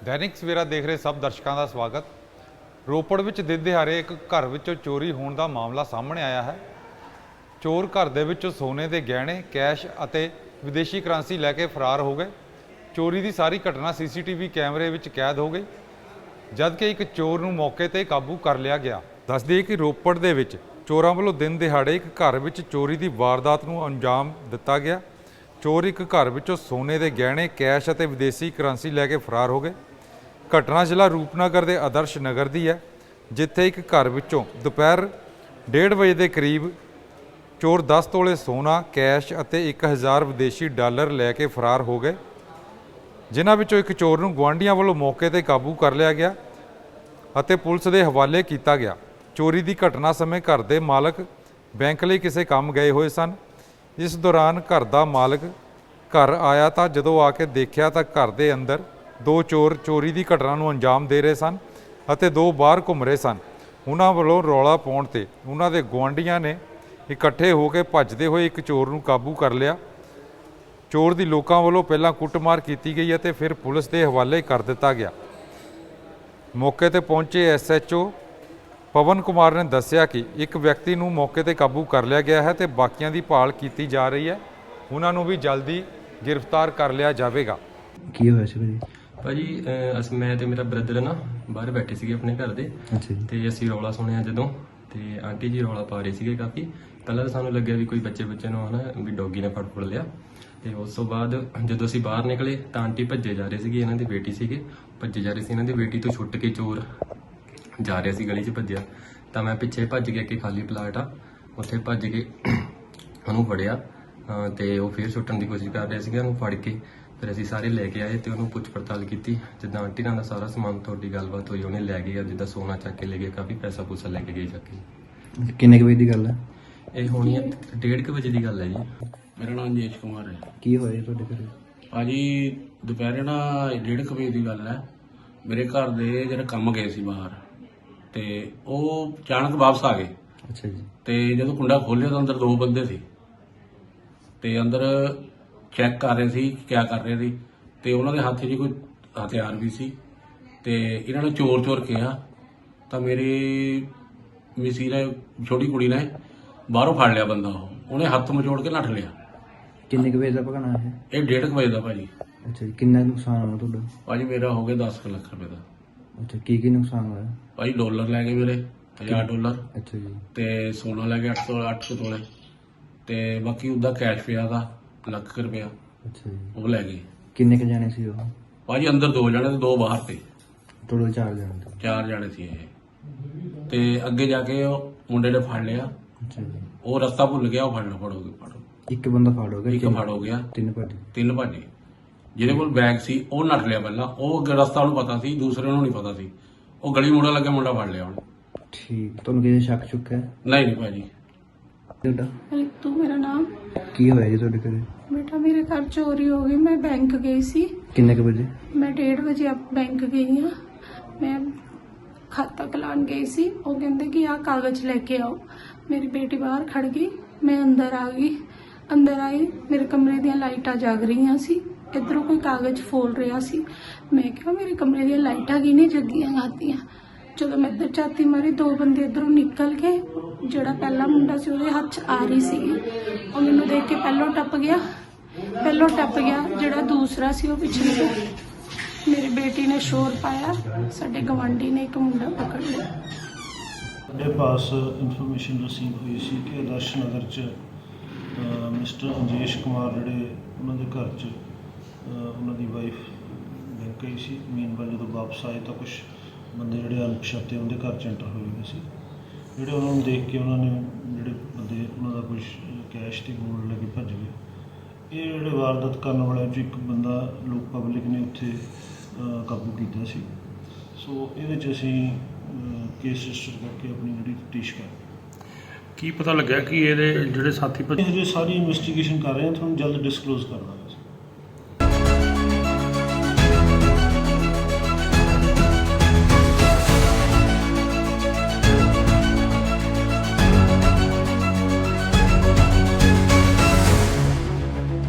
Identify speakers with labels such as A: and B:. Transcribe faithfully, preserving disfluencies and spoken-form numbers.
A: दैनिक सवेरा देख रहे सब दर्शकों का स्वागत। रोपड़ विच दिन दिहाड़े एक घर विचों चोरी होने का मामला सामने आया है। चोर घर दे विचों सोने के गहने, कैश अते विदेशी करंसी लैके फरार हो गए। चोरी की सारी घटना सी सी टी वी कैमरे विच कैद हो गई, जबकि एक चोर नूं मौके ते काबू कर लिया गया। दस दईए कि रोपड़ दे विच चोरां वल्लों दिन दिहाड़े एक घर विच चोरी की वारदात नूं अंजाम दिता गया। चोर एक घर विचों सोने के गहने, कैश अते विदेशी करंसी लैके फरार हो गए। घटना जिला रूपनगर के आदर्श नगर की है, जिथे एक घर विचों दोपहर डेढ़ बजे के करीब चोर दस तोले सोना, कैश अते एक हज़ार विदेशी डॉलर लैके फरार हो गए, जिन्हां विचों एक चोर नूं गुआढ़ियां वल्लों मौके ते काबू कर लिया गया अते पुलिस के हवाले किया गया। चोरी की घटना समय घर के मालक बैंक लई किसी काम गए हुए सन। इस दौरान घर का मालक घर आया तो जदों आके देखा तो घर के अंदर दो चोर चोरी की घटना नूं अंजाम दे रहे सन अते दो बाहर घूम रहे सन। उन्हां वल्लों रौला पाउण ते उन्हां दे गुआढ़ियां ने इकट्ठे होकर भजदे हुए एक चोर नूं काबू कर लिया। चोर की लोकां वल्लों पहलां कुटमार की गई अते फिर पुलिस के हवाले कर दिता गया। मौके ते पहुंचे S H O Pawan Kumar ने दस्सिया कि एक व्यक्ति नूं मौके ते काबू कर लिया गया है तो बाकियां दी भाल की जा रही है। उन्हां नूं भी जल्दी गिरफ्तार कर लिया जाएगा।
B: ਕੀ ਹੋਇਆ ਸੀ ਭਾਜੀ?
C: ਭਾਜੀ ਅਹ ਅਸ ਮੈਂ ਤੇ ਮੇਰਾ ਬ੍ਰਦਰ ਨਾ ਬਾਹਰ ਬੈਠੇ ਸੀਗੇ ਆਪਣੇ ਘਰ ਦੇ
B: ਅੱਛਾ ਜੀ।
C: ਤੇ ਅਸੀਂ ਰੌਲਾ ਸੁਣਿਆ ਜਦੋਂ, ਤੇ ਆਂਟੀ ਜੀ ਰੌਲਾ ਪਾ ਰਹੇ ਸੀਗੇ ਕਾਫੀ। ਪਹਿਲਾਂ ਤਾਂ ਸਾਨੂੰ ਲੱਗਿਆ ਵੀ ਕੋਈ ਬੱਚੇ ਬੱਚੇ ਨੂੰ ਹਨਾ ਵੀ ਡੌਗੀ ਨੇ ਫੜ ਫੜ ਲਿਆ, ਤੇ ਉਸ ਤੋਂ ਬਾਅਦ ਜਦੋਂ ਅਸੀਂ ਬਾਹਰ ਨਿਕਲੇ ਤਾਂ ਆਂਟੀ ਭੱਜੇ ਜਾ ਰਹੇ ਸੀਗੇ, ਇਹਨਾਂ ਦੀ ਬੇਟੀ ਸੀਗੇ, ਭੱਜੇ ਜਾ ਰਹੇ ਸੀ। ਇਹਨਾਂ ਦੀ ਬੇਟੀ ਤੋਂ ਛੁੱਟ ਕੇ ਚੋਰ ਜਾ ਰਿਹਾ ਸੀ, ਗਲੀ 'ਚ ਭੱਜਿਆ ਤਾਂ ਮੈਂ ਪਿੱਛੇ ਭੱਜ ਗਿਆ ਕਿ ਖਾਲੀ ਪਲਾਟ ਆ, ਉੱਥੇ ਭੱਜ ਕੇ ਉਹਨੂੰ ਫੜਿਆ ਤੇ ਉਹ ਫਿਰ ਛੁੱਟਣ ਦੀ ਕੋਸ਼ਿਸ਼ ਕਰ ਰਿਹਾ ਸੀਗਾ। ਉਹਨੂੰ ਫੜ ਕੇ ਫਿਰ ਅਸੀਂ ਸਾਰੇ ਲੈ ਕੇ ਆਏ ਤੇ ਉਹਨੂੰ ਪੁੱਛ ਪੜਤਾਲ ਕੀਤੀ। ਜਿੱਦਾਂ ਆਂਟੀ ਨਾਲ ਦਾ ਸਾਰਾ ਸਮਾਨ ਤੁਹਾਡੀ ਗੱਲਬਾਤ ਹੋਈ, ਉਹਨੇ ਲੈ ਗਏ, ਜਿੱਦਾਂ ਸੋਨਾ ਚੱਕ ਕੇ ਲੈ ਗਏ, ਕਾਫੀ ਪੈਸਾ ਪੂਸਾ ਲੈ ਕੇ ਗਏ ਚੱਕ ਕੇ।
B: ਕਿੰਨੇ ਕੁ ਵਜੇ ਦੀ ਗੱਲ ਹੈ?
C: ਇਹ ਹੋਣੀ ਹੈ ਡੇਢ ਕੁ ਵਜੇ ਦੀ ਗੱਲ ਹੈ ਜੀ।
D: ਮੇਰਾ ਨਾਮ ਜੇਸ਼ ਕੁਮਾਰ ਹੈ।
B: ਕੀ ਹੋਇਆ ਜੀ ਤੁਹਾਡੇ ਘਰੇ?
D: ਭਾਜੀ ਦੁਪਹਿਰੇ ਨਾ ਡੇਢ ਕੁ ਵਜੇ ਦੀ ਗੱਲ ਹੈ। ਮੇਰੇ ਘਰ ਦੇ ਜਿਹੜੇ ਕੰਮ ਗਏ ਸੀ ਬਾਹਰ, ਤੇ ਉਹ ਅਚਾਨਕ ਵਾਪਸ ਆ ਗਏ।
B: ਅੱਛਾ ਜੀ।
D: ਤੇ ਜਦੋਂ ਕੁੰਡਾ ਖੋਲ੍ਹਿਆ ਤਾਂ ਅੰਦਰ ਦੋ ਬੰਦੇ ਸੀ, ਤੇ ਅੰਦਰ ਚੈੱਕ ਕਰ ਰਹੇ ਸੀ ਕਿ ਕਿਆ ਕਰ ਰਹੇ ਸੀ, ਤੇ ਉਹਨਾਂ ਦੇ ਹੱਥ 'ਚ ਕੋਈ ਹਥਿਆਰ ਵੀ ਸੀ। ਤੇ ਇਹਨਾਂ ਨੇ ਚੋਰ ਚੋਰ ਕਿਹਾ ਤਾਂ ਮੇਰੀ ਮਿਸੀ ਨੇ, ਛੋਟੀ ਕੁੜੀ ਨੇ ਬਾਹਰੋਂ ਫੜ ਲਿਆ ਬੰਦਾ। ਉਹ ਉਹਨੇ ਹੱਥ ਮਚੋੜ ਕੇ ਨੱਠ ਲਿਆ।
B: ਕਿੰਨੇ ਕੁ ਵਜੇ ਦਾ ਭਗਣਾ ਹੈ?
D: ਇਹ ਡੇਢ ਕੁ ਵਜੇ ਦਾ ਭਾਜੀ।
B: ਅੱਛਾ ਜੀ। ਕਿੰਨਾ ਕੁ ਨੁਕਸਾਨ ਹੋਇਆ ਤੁਹਾਡਾ?
D: ਭਾਜੀ ਮੇਰਾ ਹੋ ਗਿਆ ਦਸ ਕੁ ਲੱਖ ਰੁਪਏ ਦਾ।
B: ਅੱਛਾ, ਕੀ ਕੀ ਨੁਕਸਾਨ ਹੋਇਆ?
D: ਭਾਜੀ ਡਾਲਰ ਲੈ ਗਏ ਮੇਰੇ, ਹਜ਼ਾਰ ਡਾਲਰ,
B: ਅੱਛਾ ਜੀ।
D: ਤੇ ਸੋਨਾ ਲੈ ਗਏ ਅੱਠ ਸੌ ਅੱਠ ਸੌ ਤੋਲੇ, ਤੇ ਬਾਕੀ ਉਹਦਾ ਕੈਸ਼ ਪਿਆ ਦਾ ਲੱਖ ਕੁ ਰੁਪਇਆ,
B: ਅੱਛਾ ਜੀ।
D: ਉਹ ਲੈ ਗਏ।
B: ਕਿੰਨੇ ਕੁ ਜਾਣੇ ਸੀ ਉਹ?
D: ਭਾਜੀ ਅੰਦਰ ਦੋ ਜਣੇ ਤੇ ਦੋ ਬਾਹਰ ਤੇ,
B: ਟੋਟਲ ਚਾਰ ਜਾਣੇ ਸੀ।
D: ਚਾਰ ਜਣੇ ਸੀ ਇਹ। ਤੇ ਅੱਗੇ ਜਾ ਕੇ ਉਹ ਮੁੰਡੇ ਨੇ ਫੜ ਲਿਆ।
B: ਅੱਛਾ ਜੀ।
D: ਉਹ ਰਸਤਾ ਭੁੱਲ ਗਿਆ, ਉਹ ਫੜ ਲਓ ਫੜੋਗੇ ਫੜੋ।
B: ਇੱਕ ਬੰਦਾ ਫੜ ਹੋ ਗਿਆ?
D: ਇੱਕ
B: ਤਿੰਨ-
D: ਫੜ ਹੋ ਗਿਆ,
B: ਤਿੰਨ ਭੱਜ?
D: ਤਿੰਨ ਭੱਜੇ। ਜਿਹਦੇ ਕੋਲ ਬੈਗ ਸੀ ਉਹ ਨੱਠ ਲਿਆ ਪਹਿਲਾਂ, ਉਹ ਅੱਗੇ ਰਸਤਾ ਉਹਨੂੰ ਪਤਾ ਸੀ, ਦੂਸਰੇ ਨੂੰ ਨਹੀਂ ਪਤਾ ਸੀ। ਉਹ ਗਲੀ ਮੁੰਡਾ ਲੱਗਿਆ, ਮੁੰਡਾ ਫੜ ਲਿਆ ਉਹਨੇ।
B: ਠੀਕ। ਤੁਹਾਨੂੰ ਕਿਸੇ ਸ਼ੱਕ ਚੁੱਕਾ ਹੈ?
D: ਨਹੀਂ ਨਹੀਂ ਭਾਜੀ।
B: ਤੁਹਾਡਾ
E: रितु मेरा नाम।
B: ਕੀ ਹੋਇਆ ਜੀ ਤੁਹਾਡੇ ਘਰੇ?
E: बेटा मेरे घर चोरी हो गई। मैं बैंक गई सी।
B: ਕਿੰਨੇ ਕੁ ਵਜੇ?
E: मैं डेढ़ बजे अब बैंक गई हाँ। मैं खाता खिलान गई सी। वो कहते कि आ कागज लेके आओ। मेरी बेटी बाहर खड़ गई, मैं अंदर आ गई। अंदर आई, मेरे कमरे दी लाइटां जग रही सी, इधरों कोई कागज फोल रहा सी। मैं क्या मेरे कमरे दी लाइटां की नहीं जगियां गातियां। ਜਦੋਂ ਮੈਂ ਇੱਧਰ ਝਾਤੀ ਮਾਰੀ, ਦੋ ਬੰਦੇ ਇੱਧਰੋਂ ਨਿਕਲ ਕੇ, ਜਿਹੜਾ ਪਹਿਲਾ ਮੁੰਡਾ ਸੀ ਉਹਦੇ ਹੱਥ 'ਚ ਆ ਰਹੀ ਸੀਗੀ, ਉਹ ਮੈਨੂੰ ਦੇਖ ਕੇ ਪਹਿਲੋਂ ਟੱਪ ਗਿਆ ਪਹਿਲੋਂ ਟੱਪ ਗਿਆ ਜਿਹੜਾ ਦੂਸਰਾ ਸੀ ਉਹ ਪਿੱਛੇ ਗਿਆ। ਮੇਰੀ ਬੇਟੀ ਨੇ ਸ਼ੋਰ ਪਾਇਆ, ਸਾਡੇ ਗਵਾਂਢੀ ਨੇ ਇੱਕ ਮੁੰਡਾ ਪਕੜ ਲਿਆ।
F: ਸਾਡੇ ਪਾਸ ਇਨਫੋਰਮੇਸ਼ਨ ਰਿਸੀਵ ਹੋਈ ਸੀ ਕਿ ਆਦਰਸ਼ ਨਗਰ 'ਚ ਅ, ਮਿਸਟਰ ਅੰਜੇਸ਼ ਕੁਮਾਰ ਜਿਹੜੇ ਉਹਨਾਂ ਦੇ ਘਰ 'ਚ ਅ, ਉਹਨਾਂ ਦੀ ਵਾਈਫ ਬੈਂਕ ਗਈ ਸੀ। ਮੀਨਵਾਈਲ ਜਦੋਂ ਵਾਪਸ ਆਏ ਤਾਂ ਕੁਛ ਬੰਦੇ ਜਿਹੜੇ ਅਣਪਛਾਤੇ ਉਹਦੇ ਘਰ 'ਚ ਐਂਟਰ ਹੋਏ ਹੋਏ ਸੀ, ਜਿਹੜੇ ਉਹਨਾਂ ਨੂੰ ਦੇਖ ਕੇ ਉਹਨਾਂ ਨੇ ਜਿਹੜੇ ਬੰਦੇ ਉਹਨਾਂ ਦਾ ਕੁਛ ਕੈਸ਼ ਤੇ ਗੋਲਡ ਲੈ ਕੇ ਭੱਜ ਗਏ। ਇਹ ਜਿਹੜੇ ਵਾਰਦਾਤ ਕਰਨ ਵਾਲਿਆਂ 'ਚੋਂ ਇੱਕ ਬੰਦਾ ਲੋਕ ਪਬਲਿਕ ਨੇ ਉੱਥੇ ਅ, ਕਾਬੂ ਕੀਤਾ ਸੀ। ਸੋ ਇਹਦੇ 'ਚ ਅਸੀਂ ਕੇਸ ਰਜਿਸਟਰ ਕਰਕੇ ਆਪਣੀ ਜਿਹੜੀ ਤਫਤੀਸ਼ ਕਰ
G: ਕੀ ਪਤਾ ਲੱਗਿਆ ਕਿ ਇਹਦੇ ਜਿਹੜੇ ਸਾਥੀ
F: ਹਜੇ ਸਾਰੀ ਇਨਵੈਸਟੀਗੇਸ਼ਨ ਕਰ ਰਹੇ ਹਾਂ, ਤੁਹਾਨੂੰ ਜਲਦ ਡਿਸਕਲੋਜ਼ ਕਰ ਦਾਂਗੇ।